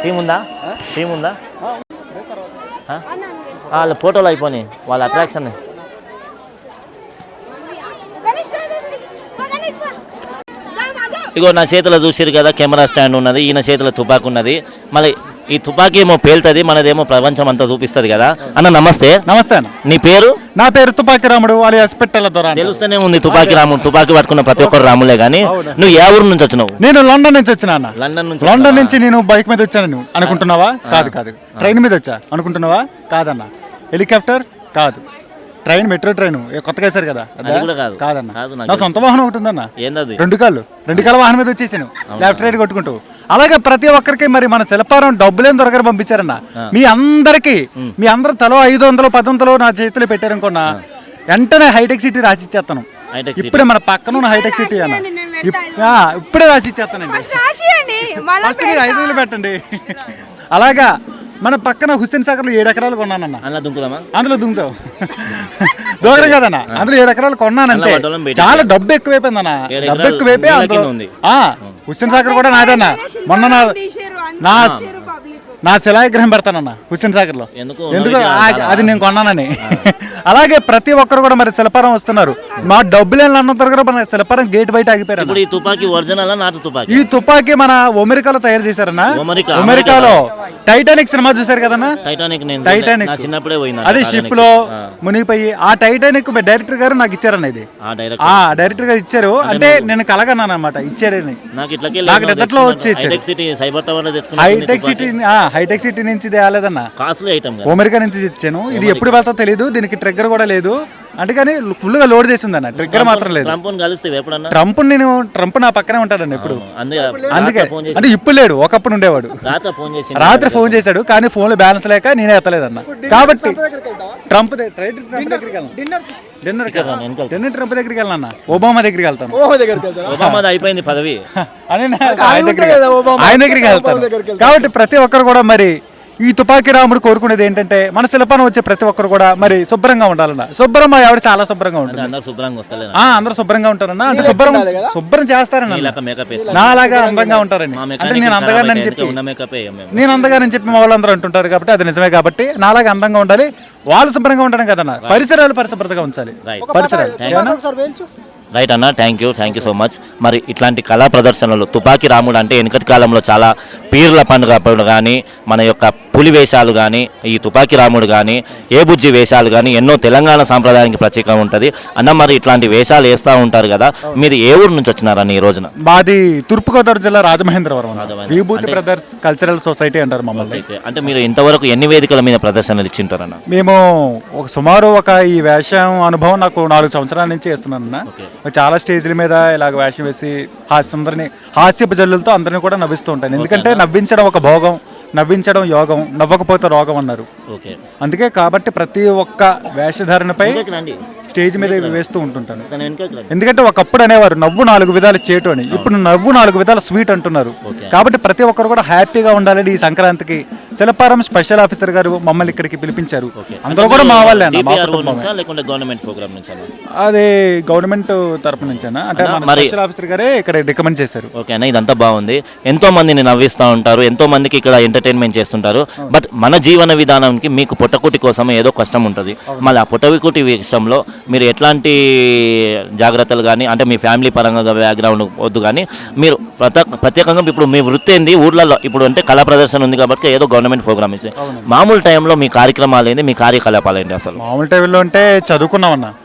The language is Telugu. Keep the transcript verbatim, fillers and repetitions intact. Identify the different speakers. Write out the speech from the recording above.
Speaker 1: టీం ఉందా టీం ఉందా వాళ్ళ ఫోటోలు అయిపోయినాయి వాళ్ళ అట్రాక్షన్. ఇగో నా చేతిలో చూసిరు కదా కెమెరా స్టాండ్ ఉన్నది, ఈయన చేతిలో తుపాకు ఉన్నది. మళ్ళీ ఈ తుపాకీ ఏమో పేలుతుంది, మనదేమో ప్రపంచం అంతా చూపిస్తుంది కదా. అన్న నమస్తే.
Speaker 2: నమస్తే అన్న.
Speaker 1: నీ పేరు?
Speaker 2: నా పేరు తుపాకి రాముడు alias పిట్టల దొర.
Speaker 1: తెలుస్తూనే ఉంది తుపాకి రాముడు, తుపాకీ పట్టుకున్న ప్రతి ఒక్కరు రాములే. కానీ నువ్వు ఏ ఊరు నుంచి వచ్చినావు?
Speaker 2: నేను లండన్ నుంచి వచ్చినా అన్న.
Speaker 1: లండన్ నుంచి?
Speaker 2: లండన్ నుంచి నేను బైక్ మీద వచ్చాను అనుకుంటున్నావా? కాదు కాదు. ట్రైన్ మీద వచ్చా అనుకుంటున్నావా? కాదన్న. హెలికాప్టర్ కాదు, ట్రైన్, మెట్రో ట్రైన్ కొత్తగా వేశారు కదా, కాదన్న. నా సొంత వాహనం ఒకటి ఉందన్న, రెండు కాళ్ళు రెండు కాళ్ళ వాహనం మీద వచ్చేసాను లెఫ్ట్ రైట్ కొట్టుకుంటూ. అలాగే ప్రతి ఒక్కరికి మరి మన శిల్పారం డబ్బులేం దొరకరు పంపించారన్న. మీ అందరికి మీ అందరూ తలో ఐదు వందలు పది వందలు నా చేతిలో పెట్టారనుకున్నా వెంటనే హైటెక్ సిటీ రాసి ఇచ్చేస్తాను. ఇప్పుడే మన పక్కన ఉన్న హైటెక్ సిటీ అన్న, ఇప్పుడే రాసి ఇచ్చేస్తానండి. ఫస్ట్ మీరు ఐదు వందలు పెట్టండి. అలాగా మన పక్కన హుస్సేన్ సాగర్ లో ఏడు ఎకరాలు కొన్నానన్న. అందులో దుంకుతావు దూరం కదన్న. అందులో ఏడు ఎకరాలు కొన్నానంటే చాలా డబ్బు ఎక్కువైపోయిందన్న. డబ్బు ఎక్కువైపోయి అందులో హుస్సేన్ సాగర్ కూడా నాదన్న. మొన్న నా నా నా శిలావిగ్రహం పెడతానన్న హుస్సేన్ సాగర్ లో. ఎందుకు? అది నేను కొన్నానని. అలాగే ప్రతి ఒక్కరు కూడా మరి శిల్పారం వస్తున్నారు. మా డబ్బులు అన్న దగ్గర మన శిల్పారం గేట్ బయట ఆగిపోయారు. ఈ తుపాకీ మన అమెరికాలో తయారు చేశారన్న. అమెరికాలో టైటానిక్ సినిమా చూసారు కదన్నా? టైటానిక్ అది షిప్ లో మునిగిపోయి ఆ టైటానిక్ డైరెక్టర్ గారు నాకు ఇచ్చారన్న. ఇది ఆ డైరెక్టర్ గారు ఇచ్చారు. అంటే నేను కలగన్నాను అనమాట, ఇచ్చారని. నాకు నిద్దట్లో వచ్చి హైటెక్ సిటీ హైటెక్ సిటీ నుంచి తేలేదన్న, అమెరికా నుంచి ఇచ్చాను. ఇది ఎప్పుడు వెళ్తా తెలియదు, దీనికి ట్రిగ్గర్ కూడా లేదు. అందుకని ఫుల్ గా లోడ్ చేసి ఉందన్న, ట్రిగ్గర్ మాత్రం లేదు. ట్రంప్ నేను ట్రంప్ నా పక్కనే ఉంటాడన్న ఎప్పుడు. అందుకే అంటే ఇప్పుడు లేడు, ఒకప్పుడు ఉండేవాడు. రాత్రి ఫోన్ చేశాడు కానీ ఫోన్ లో బ్యాలెన్స్ లేక నేనే ఎత్తలేదన్న. కాబట్టి ట్రంప్ డిన్నర్ డిన్నర్ ట్రంప్ దగ్గరికి వెళ్ళాను, ఒబామా దగ్గరికి వెళ్తాను.
Speaker 1: అయిపోయింది పదవి,
Speaker 2: ఆయన దగ్గరికి వెళ్తాను. కాబట్టి ప్రతి ఒక్కరు కూడా మరి ఈ తుపాకీ రాముడు కోరుకునేది ఏంటంటే మన శిల్పానం వచ్చే ప్రతి ఒక్కరు కూడా మరి శుభ్రంగా ఉండాలన్న. శుభ్రం ఆవిడ చాలా శుభ్రంగా ఉంటుంది. అందరూ శుభ్రంగా ఉంటారన్న. అంటే శుభ్రం శుభ్రం చేస్తారన్న. నా అలాగా అందంగా ఉంటారని అంటే నేను అందగానని చెప్పి నేను అందగానని చెప్పి మా వాళ్ళందరూ అంటుంటారు. కాబట్టి అది నిజమే. కాబట్టి నాలాగా అందంగా ఉండాలి, వాళ్ళు శుభ్రంగా ఉండడం కదన్న. పరిసరాలు పరిశుభ్రతగా ఉంచాలి. పరిసరాలు
Speaker 1: రైట్ అన్న. Thank you thank you so much. మరి ఇట్లాంటి కళా ప్రదర్శనలు తుపాకీ రాముడు అంటే వెనుకటి కాలంలో చాలా పీర్ల పండుగ అప్పుడు కానీ మన యొక్క పులి వేషాలు కానీ ఈ తుపాకీ రాముడు కానీ ఏ బుజ్జి వేషాలు కానీ ఎన్నో తెలంగాణ సాంప్రదాయానికి ప్రత్యేకంగా ఉంటుంది అన్న. మరి ఇట్లాంటి వేషాలు వేస్తూ ఉంటారు కదా, మీరు ఏ ఊరు నుంచి వచ్చినారన్న ఈ రోజున?
Speaker 2: మాది తూర్పుగోదావరి జిల్లా రాజమహేంద్రవరం, విభూతి బ్రదర్స్ కల్చరల్ సొసైటీ అంటారు మమ్మల్ని.
Speaker 1: అంటే మీరు ఇంతవరకు ఎన్ని వేదికల మీద ప్రదర్శనలు ఇచ్చింటారన్న?
Speaker 2: మేము ఒక సుమారు ఒక ఈ వేషం అనుభవం నాకు నాలుగు సంవత్సరాల నుంచి వేస్తున్నానన్న. చాలా స్టేజ్ల మీద ఇలాగ వేషం వేసి హాస్య అందరినీ హాస్యపు జల్లులతో అందరినీ కూడా నవ్విస్తూ ఉంటాను. ఎందుకంటే నవ్వించడం ఒక భోగం, నవ్వించడం యోగం, నవ్వకపోతే రోగం అన్నారు. అందుకే కాబట్టి ప్రతి ఒక్క వేషధారణపై స్టేజ్ మీద వేస్తూ ఉంటుంటాను. ఎందుకంటే ఒకప్పుడు అనేవారు నవ్వు నాలుగు విధాలు చేటు అని, ఇప్పుడు నవ్వు నాలుగు విధాలు స్వీట్ అంటున్నారు. కాబట్టి ప్రతి ఒక్కరు కూడా హ్యాపీగా ఉండాలని ఈ సంక్రాంతికి శిల్పారం స్పెషల్ ఆఫీసర్ గారు మమ్మల్ని ఇక్కడికి పిలిపించారు. అందరూ కూడా మా వాళ్ళే అన్న. అదే గవర్నమెంట్ తరపు నుంచి అన్న. అంటే స్పెషల్ ఆఫీసర్ గారే ఇక్కడ రికమెండ్ చేశారు.
Speaker 1: ఓకే అన్న, ఇదంతా బాగుంది. ఎంతో మందిని నవ్విస్తూ ఉంటారు, ఎంతో మందికి ఇక్కడ ఎంటర్టైన్మెంట్ చేస్తుంటారు. బట్ మన జీవన విధానానికి మీకు పుట్టకుటి కోసం ఏదో కష్టం ఉంటుంది. మళ్ళీ ఆ పుట్టకుటి విషయంలో మీరు ఎట్లాంటి జాగ్రత్తలు కానీ అంటే మీ ఫ్యామిలీ పరంగా బ్యాక్గ్రౌండ్ వద్దు కానీ మీరు ప్రత్యేకంగా ఇప్పుడు మీ వృత్తి ఏంది ఊర్లలో ఇప్పుడు అంటే కళా ప్రదర్శన ఉంది కాబట్టి ఏదో గవర్నమెంట్ ప్రోగ్రామ్ ఇచ్చి మామూలు టైంలో మీ కార్యక్రమాలు ఏంది, మీ కార్యకలాపాలు ఏంటి? అసలు
Speaker 2: మామూలు టైంలో అంటే చదువుకున్నామన్నా.